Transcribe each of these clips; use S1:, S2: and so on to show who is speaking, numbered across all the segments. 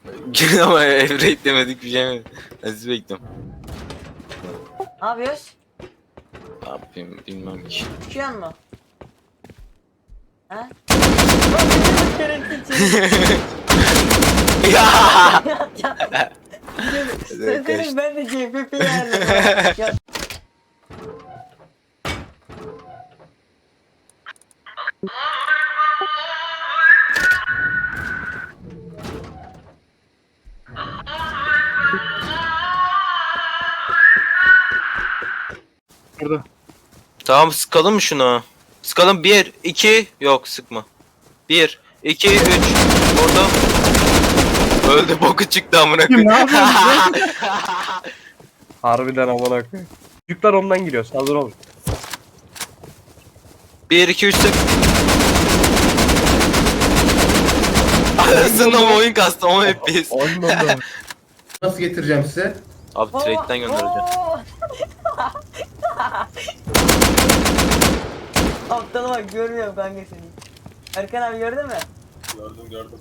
S1: Ama Evrate demedik bir şey mi? Nasıl bekliyorum?
S2: Ne yapıyoruz?
S1: Ne yapayım bilmem ki.
S2: Çıkıyor mu? Ha?
S1: Ya!
S2: Senin ben de CFP yerdim. Ya.
S3: Burada.
S1: Tamam sıkalım mı şunu? Sıkalım 1 2 yok sıkma. 1 2 3 orada. Öldü boku çıktı amına
S3: Kim ne
S1: koyayım.
S3: yapıyorsun? Harbiden amına koyayım. Çocuklar ondan giriyor. Hazır olun.
S1: 1 2 3 sık. Arasında mı oyun kastı ama hep biz.
S3: Anladım.
S4: Nasıl getireceğim size?
S1: Abi trade'den göndereceğim.
S2: Aptala bak görmüyorum kanka seni. Erkan abi gördün mü?
S1: Gördüm.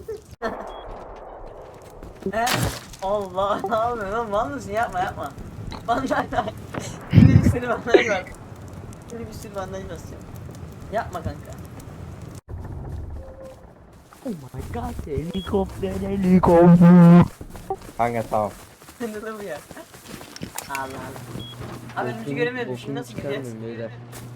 S2: He? Allah ne yapıyorsun oğlum mal mısın yapma. Bandaj var. Şimdi bir sürü bandaj var. Şimdi bir sürü bandaj basacağım. Yapma kanka.
S5: Oh my god, helikopter.
S3: Kanka tamam.
S2: Ne bu ya? Allah Allah. Abi önümüzü göremiyorum şimdi nasıl gideceğiz?